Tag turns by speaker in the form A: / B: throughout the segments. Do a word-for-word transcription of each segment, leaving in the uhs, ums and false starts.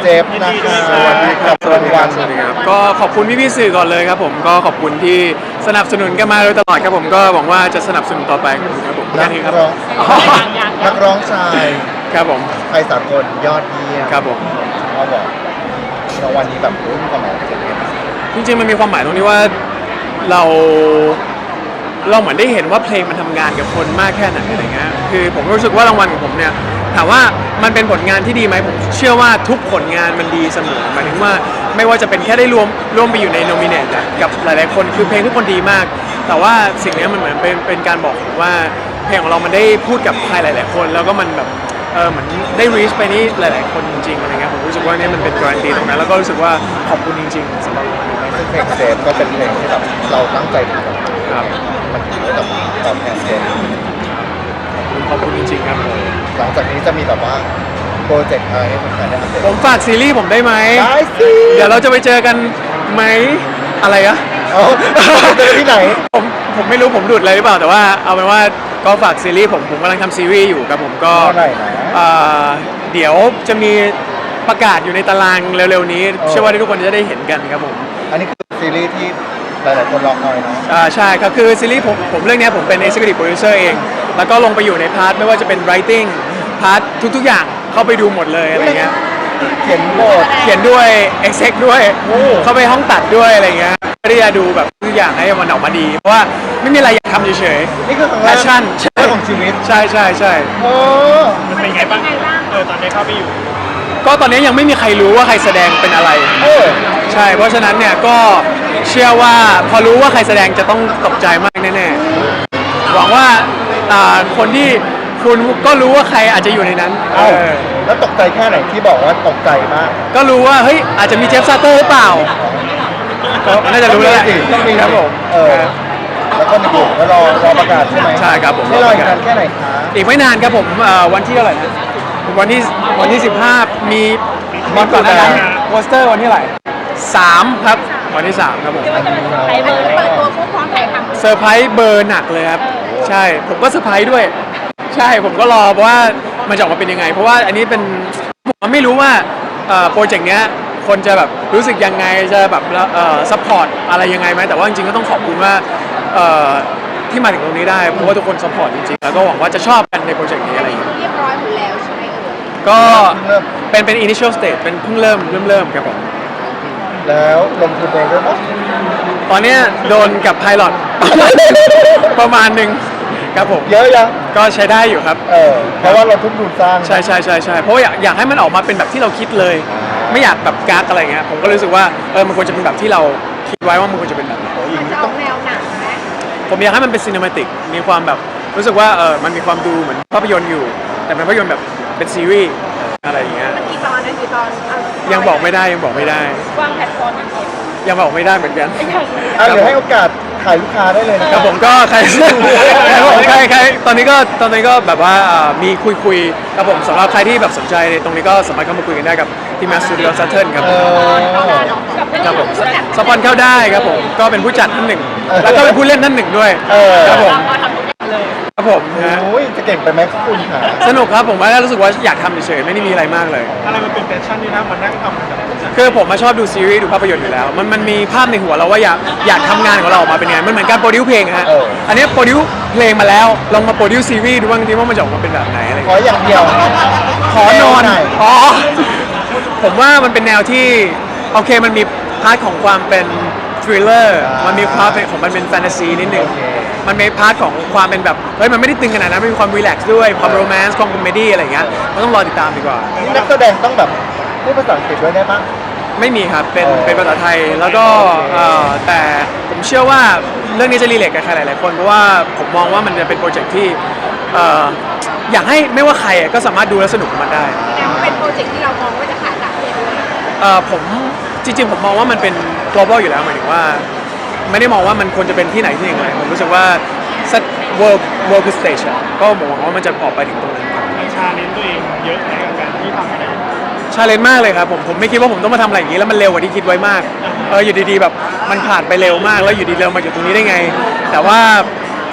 A: เจฟนะคะสวัสดีครับสวัสดีครับสวัสดีครับ
B: ก็ขอบคุณพี่ๆสื่อก่อนเลยครับผมก็ขอบคุณที่สนับสนุนกันมาโดยตลอดครับผมก็หวังว่าจะสนับสนุนต่อไปครับผม
A: นั
B: แค่
A: ก
B: นี้ครับ
A: ร้องนักร้องชาย
B: ครับผม
A: ไทยสากลยอดเยี่ยม
B: ครับผม
A: เขาบอกรางวัลนี้แบบรุ่นกว่าหมอเป็นยังไงบ้าง
B: จริงๆมันมีความหมายตรงที่ว่าเราเราเหมือนได้เห็นว่าเพลงมันทำงานกับคนมากแค่ไหนอะไรเงี้ยคือผมรู้สึกว่ารางวัลของผมเนี่ยถามว่ามันเป็นผลงานที่ดีไหมผมเชื่อว่าทุกผลงานมันดีเสมอหมายถึงว่าไม่ว่าจะเป็นแค่ได้รวมร่วมไปอยู่ในโนมิเนตกับหลายๆคนคือเพลงทุกคนดีมาก แต่ว่าสิ่งนี้มันเหมือนเป็นเป็นการบอกว่าเพลงของเรามันได้พูดกับใครหลาย ๆ คน แล้วก็มันแบบเออเหมือนได้ reach ไปนี่หลาย ๆ คนจริงๆอะไรเงี้ยผมรู้สึกว่านี่มันเป็นการันตีตรงนั้นแล้วก็รู้สึกว่าขอบคุณจริงๆสำหรับรางวัลนี้
A: ซึ่งเพลงเซฟก็เป็นเพลงที่แบบเราตั้งใจทำ
B: ครับ
A: มันถือว่าแบบตอบแทนเซฟ
B: ขอบคุณจริงๆครับ
A: หลังจากนี้จะมีแบบว่าโปรเจกต์อะไรให้แฟนๆได้อัปเดต
B: ผมฝากซีรีส์ผมได้ไหม
A: ได้สิ
B: เดี๋ยวเราจะไปเจอกันไหมอะไรอะ
A: เอาเจอที่ไหน
B: ผมผมไม่รู้ผมหลุดอะไรหรือเปล่าแต่ว่าเอาเป็นว่าก็ฝากซีรีส์ผมผมกำลังทำซีรีส์อยู่ครับผมก็
A: เมื่อไหร่นะ
B: เอ่อเดี๋ยวจะมีประกาศอยู่ในตารางเร็วๆนี้
A: เออ
B: เชื่อว่าทุกคนจะได้เห็นกันครับผม
A: อันนี้คือซีรีส์ที่หลายๆคนรอคอยเนาะ
B: อ่าใช่ครับคือซีรีส์ผมผมเรื่องเนี้ยผมเป็น Executive Producer เอง แล้วก็ลงไปอยู่ในพาร์ทไม่ว่าจะเป็น Writing พาร์ททุกๆอย่างเข้าไปดูหมดเลยอะไรเงี้ย
A: เขียนบท
B: เขียนด้วย Exec ด้วย
A: โอ้
B: เข้าไปห้องตัดด้วยอะไรเงี้ยเพื่อที่จะดูแบบทุกอย่างให้มันออกมาดี เพราะว่าไม่มีอะไรอยากทำเฉย
A: นี่คือครั้ง
B: ๆ
A: แรก
B: Passion ใช่
A: ของชีวิต
B: ใช่ใช่ใช่
A: โอ้
C: มันเป็นไงบ้างเออตอนนี้เข้าไปอยู่
B: ก็ตอนนี้ยังไม่มีใครรู้ว่าใครแสดงเป็นอะไร
A: เออ
B: ใช่ เพราะฉะนั้นเนี่ยก็เชื่อว่าพอรู้ว่าใครแสดงจะต้องตกใจมากแน่ๆ หวังว่าอ่าคนที่คุณก็รู้ว่าใครอาจจะอยู่ในนั้น
A: เอ้า
B: เออ
A: แล้วตกใจแค่ไหนที่บอกว่าตกใจมาก
B: ก็รู้ว่าเฮ้ยอาจจะมีเจฟซาเตอร์หรือเปล่าก็น่าจะรู้แล้วแหละ
A: ต้องมี
B: ครับผม
A: เออ แล้วก็ในกลุ่มก็รอรอประกาศใช่ไหม
B: ใช่ครับผม
A: นี่รออีกนานแค่ไหนคะ
B: อีกไม่นานครับผมเอ่อวันที่เท่าไหร่นะวันที่วันที่สิบห้ามีมีก่อนหน้านั้นโปสเตอร์วันที่เท่าไหร่สามครับวันที่สามครับผม
D: ไปเปิดเปิดตัวผู้พร้อมถ่ายทำ
B: เซอร์ไพรส์เบอร์หนักเลยครับใช่ผมก็เซอร์ไพรส์ด้วย ใช่ผมก็รอว่ามันจะออกมาเป็นยังไง เพราะว่าอันนี้เป็นผมไม่รู้ว่าเอ่อโปรเจกต์เนี้ยคนจะแบบรู้สึกยังไงจะแบบเอ่อซัพพอร์ตอะไรยังไงไหมแต่ว่าจริงๆก็ต้องขอบคุณว่าเอ่อที่มาถึงตรงนี้ได้เพราะว่าทุกคนซัพพอร์ตจริงๆแล้วก็หวังว่าจะชอบกันในโปรเจกต์นี้อะไรอย่างเงี้ย
D: เรียบร้อยหมดแล้วใช่ไหมเอ่ย
B: ก็
A: เริ่ม
B: เป็นเป็น initial stage เป็นเพิ่งเริ่มเริ่มเริ่มครับผม
A: แล้วลงทุนเองด้วยปะ
B: ตอนเนี้ยโดนกับไพลอต ประมาณหนึ่งครับผม
A: เยอะยัง
B: ก็ใช้ได้อยู่ครับ
A: เออ เพราะว่าเราทุ่มทุนสร้าง
B: ใช่ใช่ใช่ใช่เพราะว่าอยากอยากให้มันออกมาเป็นแบบที่เราคิดเลย ไม่อยากแบบการ์ดอะไรเงี้ยผมก็รู้สึกว่าเออมันควรจะเป็นแบบที่เราคิดไว้ว่ามันควรจะเป็นแบบไหน
D: มันจะออกแนวหนังไหม
B: ผมอยากให้มันเป็นซีนิมาติกมีความแบบรู้สึกว่าเออมันมีความดูเหมือนภาพยนตร์อยู่ แต่เป็นภาพยนตร์แบบเป็นซีรีส์อะไรอย่างเงี้ย
D: มันกี่ตอนนะกี่ตอนเอา
B: ยังบอกไม่ได้ยังบอกไม่ได้
D: วางแพลตฟอร์มยังไง
B: ยังบอกไม่ได้เหมือนกัน
A: อ่ะเดี๋ยวให้โอกาสถ่ายลูกค้าได้เลยนะ
B: ครับผมก็ใคร ครับผมใครใครตอนนี้ก็ตอนนี้ก็แบบว่าอ่ามีคุยคุยๆครับผมสำหรับใครที่แบบสนใจในตรงนี้ก็สามารถเข้ามาคุยกันได้กับที่มาสตูดิโอซัตเทิลครับ
A: เอ
B: ผม
A: อ
B: ครับผมสปอนเข้าได้ครับผมก็เป็นผู้จัดท่านหนึ่ง แล้วก็เป็นผู้เล่นท่านหนึ่งด้วย
A: เออ
B: ครับผมครับผมนะ
A: โอ้ยจะเก่งไปไหมคุณค่ะ
B: สนุกครับผมว่ารู้สึกว่าอยากทำเฉยๆไม่ได้มีอะไรมากเลย
C: อะไรมันเป็นแพชชั่นที่นะมันนั่งทำกับผู้จัด
B: คือผมมาชอบดูซีรีส์ดูภาพยนตร์อยู่แล้ว มันมันมีภาพในหัวเราว่าอยากอยากทำงานของเราออกมาเป็นไงมันเหมือนการโปรดิวเพลงฮะ
A: เออ
B: อันนี้โปรดิวเพลงมาแล้วลองมาโปรดิวซีรีส์ดูบ้างทีว่ามันจะออกมาเป็นแบบไหนอะไรอย่าง
A: ขอ
B: เงี้ย
A: อย่างเดียว
B: ขอนอน
A: แนวไห
B: อ๋อผมว่ามันเป็นแนวที่โอเคมันมีพาร์ทของความเป็นทริลเลอร์มันมีพาร์ทเป็นของมันเป็นแฟนตาซีนิดนึง
A: โอเค
B: มันมีพาร์ทของความเป็นแบบเฮ้ยมันไม่ได้ตึงขนาดนั้นมันมีความรีแลกซ์ด้วยความโรแมนต์ความคอมเมดี้อะไรอย่างเงี้ยมันต้องรอติดตามดีกว่า
A: นี่นักแสดงต้องแบบพูดภาษาอังกฤษด้วยได้ปะ
B: ไม่มีครับ เป็น
A: อ๋อ
B: เป็นภาษาไทย แล้วก็เอ่อแต่ผมเชื่อว่าเรื่องนี้จะรีเลทกับใครหลายๆคน เพราะว่าผมมองว่ามันจะเป็นโปรเจกต์ที่เอ่ออยากให้ไม่ว่าใครอ่ะก็สามารถดูและสนุกกับมันได้
D: แสดงว่าเป็นโปรเจกต์ที่เรามองว่าจะขายต่างประเทศด้วย
B: เอ่อผมจริงๆ ผมมองว่ามันเป็น global อยู่แล้วหมายถึงว่า ไม่ได้มองว่ามันควรจะเป็นที่ไหนที่หนึ่งเลยผมรู้สึกว่าสัก world world stage อะก็หวังว่ามันจะออกไปถึงตรงนั้นครับ
C: มันชาเลนจ์ตัวเองเยอะในการที่ทำอะไร
B: ชาเลนจ์มากเลยครับผมผมไม่คิดว่าผมต้องมาทำอะไรอย่างนี้แล้วมันเร็วกว่าที่คิดไว้มากเอออยู่ดีๆแบบมันผ่านไปเร็วมากแล้วอยู่ดีๆเรามาอยู่ตรงนี้ได้ไง แต่ว่าผ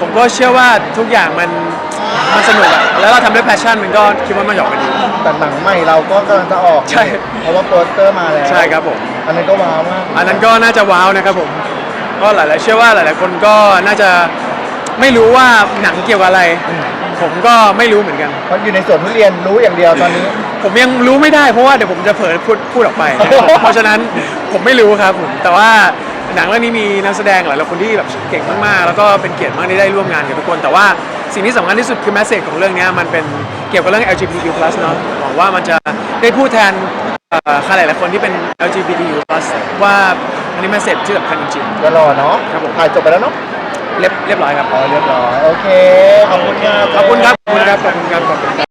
B: ผมก็เชื่อว่าทุกอย่างมันมันสนุกอะแล้วเราทำด้วยแพชชั่นมันก็คิดว่ามันหยอกไปดี
A: แต่หนังใหม่เราก็กำลังจะออก
B: ใช่
A: เพราะว่าโปสเตอร์มาแล้ว
B: ใช่ครับผม
A: อันนั้นก็ว้าวมาก
B: อันนั้นก็น่าจะว้าวนะครับผมก็หลายๆเชื่อว่าหลาย ๆ คนก็น่าจะไม่รู้ว่าหนังเกี่ยวกับอะไร ผมก็ไม่รู้เหมือนกัน
A: เพราะอยู่ในสวนทุเรียนรู้อย่างเดียวตอนนี้
B: ผมยังรู้ไม่ได้เพราะว่าเดี๋ยวผมจะเผลอพูดพูดออกไป เพราะฉะนั้นผมไม่รู้ครับผมแต่ว่าหนังเรื่องนี้มีนักแสดงหลายๆคนที่แบบเก่งมากๆ แล้วก็เป็นเกียรติมากที่ได้ร่วมงานกับทุกคน แต่ว่าสิ่งที่สำคัญที่สุดคือแมสเซจของเรื่องนี้มันเป็นเกี่ยวกับเรื่อง แอล จี บี ที คิว พลัส เนอะหวังว่ามันจะได้พูดแทนเอ่อใครหลายๆคนที่เป็น แอล จี บี ที คิว พลัส ว่าอันนี้แมสเซจที่สำคัญจริง
A: จะรอเนาะ
B: ครับผม
A: ถ่ายจบไปแล้วเนาะ
B: ๆเรียบเรียบร้อยครับ
A: อ๋อเรียบร้อยโอเคขอบคุณครับ
B: ขอบคุณครับขอบคุณครับขอบคุณครับขอบคุณครับ